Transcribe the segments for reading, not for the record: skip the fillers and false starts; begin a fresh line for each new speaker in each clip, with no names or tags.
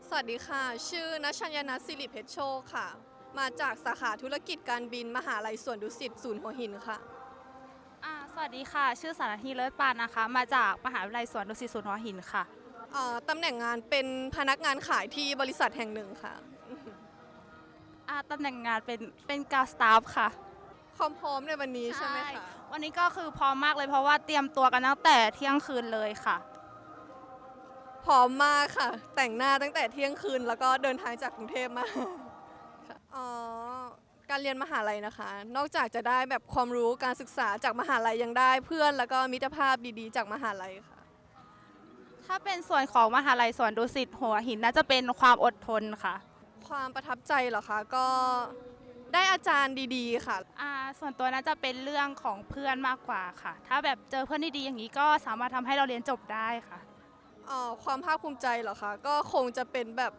สวัสดีค่ะชื่อณชัญญนัทสิริเพชรโชคค่ะมาจากสาขาธุรกิจการบินมหาลัยสวนดุสิตศูนย์หัวหินค่ะ
สวัสดีค่ะชื่อสารธีเลิศปานนะคะมาจากมหาวิทยาลัยสวนดุสิตศูนย์หัวหินค่ะ
ตำแหน่งงานเป็นพนักงานขายที่บริษัทแห่งหนึ่งค่ะ
ตำแหน่งงานเป็นกาวสตาฟค่ะ
ความพร้อมในวันนี้ใช่ไหมคะ
วันนี้ก็คือพร้อมมากเลยเพราะว่าเตรียมตัวกันตั้งแต่เที่ยงคืนเลยค่ะ
พร้อมมากค่ะ แต่งหน้าตั้งแต่เที่ยงคืนแล้วก็เดินทางจากกรุงเทพมาค่ะการเรียนมหาลัยนะคะ นอกจากจะได้แบบความรู้การศึกษาจากมหาลัยยังได้เพื่อนแล้วก็มิตรภาพดีๆจากมหาลัยค่ะ
ถ้าเป็นส่วนของมหาลัยสวนดุสิตหัวหินน่าจะเป็นความอดทนค่ะ
ความประทับใจเหรอคะก็ได้อาจารย์ดีๆค่ะ
ส่วนตัวน่าจะเป็นเรื่องของเพื่อนมากกว่าค่ะถ้าแบบเจอเพื่อนที่ดีอย่างนี้ก็สามารถทำให้เราเรียนจบได้ค่ะ
ความภาคภูมิใจเหรอคะก็คงจะเป็นแบบ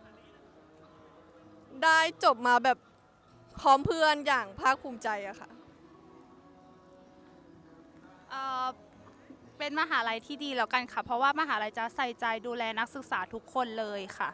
ได้จบมาแบบพร้อมเพื่อนอย่างภาคภูมิใจอะค่ะ
เอ่อเป็นมหาลัยที่ดีแล้วกันค่ะเพราะว่ามหาลัยจะใส่ใจดูแลนักศึกษาทุกคนเลยค่ะ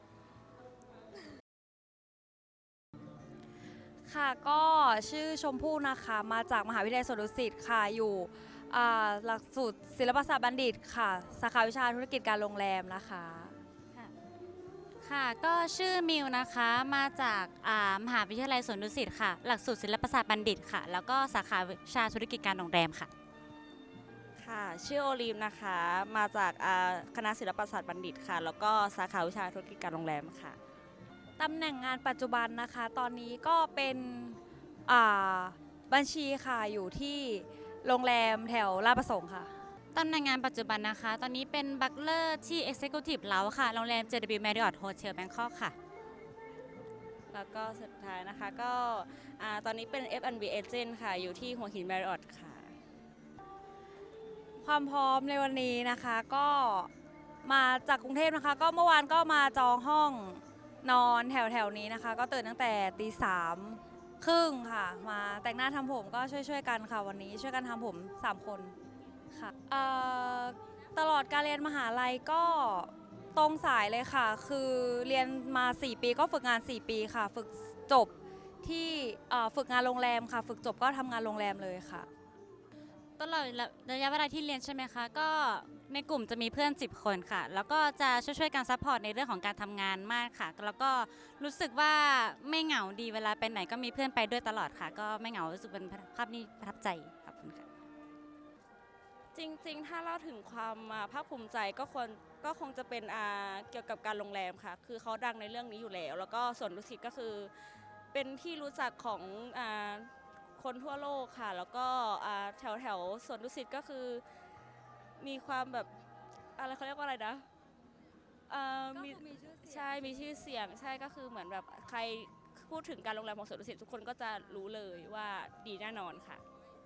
ค่ะก็ชื่อชมพู่นะคะมาจากมหาวิทยาลัยสวนดุสิตค่ะอยู่หลักสูตรศิลปศาสตร์บัณฑิตค่ะสาขาวิชาธุรกิจการโรงแรมนะคะ
ค่ะก็ชื่อมิวนะคะมาจากมหาวิทยาลัยสวนดุสิตค่ะหลักสูตรศิลปศาสตร์บัณฑิตค่ะแล้วก็สาขาวิชาธุรกิจการโรงแรมค่ะ
ค่ะชื่อโอลิมนะคะมาจากคณะศิลปศาสตร์บัณฑิตค่ะแล้วก็สาขาวิชาธุรกิจการโรงแรมค่ะตำแหน่งงานปัจจุบันนะคะตอนนี้ก็เป็นอ่าบัญชีค่ะอยู่ที่โรงแรมแถวลาดประสงค์ค่ะ
ตำแหน่งงานปัจจุบันนะคะตอนนี้เป็นบัคเลอร์ที่ Executive Lounge ค่ะโรงแรม JW Marriott Hotel Bangkok ค่ะ
แล้วก็สุดท้ายนะคะก็ตอนนี้เป็น F&B Agent ค่ะอยู่ที่หัวหิน Marriott ค่ะความพร้อมในวันนี้นะคะก็มาจากกรุงเทพนะคะก็เมื่อวานก็มาจองห้องนอนแถวนี้นะคะก็ตื่นตั้งแต่3:30ค่ะมาแต่งหน้าทำผมก็ช่วยกันค่ะวันนี้ช่วยกันทำผม3คนค่ะตลอดการเรียนมหาลัยก็ตรงสายเลยค่ะคือเรียนมา4ปีก็ฝึกงาน4ปีค่ะฝึกจบที่ฝึกงานโรงแรมค่ะฝึกจบก็ทำงานโรงแรมเลยค่ะ
ตลอดระยะเวลาที่เรียนใช่ไหมคะก็ในกลุ่มจะมีเพื่อน10คนค่ะแล้วก็จะช่วยกันซัพพอร์ตในเรื่องของการทำงานมากค่ะแล้วก็รู้สึกว่าไม่เหงาดีเวลาไปไหนก็มีเพื่อนไปด้วยตลอดค่ะก็ไม่เหงารู้สึกเป็นภาพนี้ประทับใจขอบคุณค่ะ
จริงๆถ้าเล่าถึงความภาคภูมิใจก็คงจะเป็นเกี่ยวกับการโรงแรมค่ะคือเขาดังในเรื่องนี้อยู่แล้วแล้วก็สวนดุสิตก็คือเป็นที่รู้จักของคนทั่วโลกค่ะแล้วก็แถวสวนดุสิตก็คือมีความแบบอะไรเขาเรียกว่าอะไรนะมีใช่มีชื่อเสียงใช่ก็คือเหมือนแบบใครพูดถึงการโรงแรมของสวนดุสิตทุกคนก็จะรู้เลยว่าดีแน่นอนค่ะ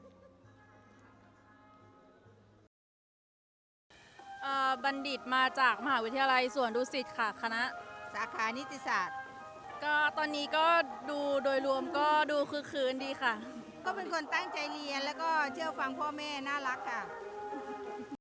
บัณฑิตมาจากมหาวิทยาลัยสวนดุสิตค่ะคณะ
สาขานิติศาสตร์
ก็ตอนนี้ก็ดูโดยรวมก็ดูคือคืนดีค่ะ
ก็เป็นคนตั้งใจเรียนแล้วก็เชื่อฟังพ่อแม่น่ารักค่ะ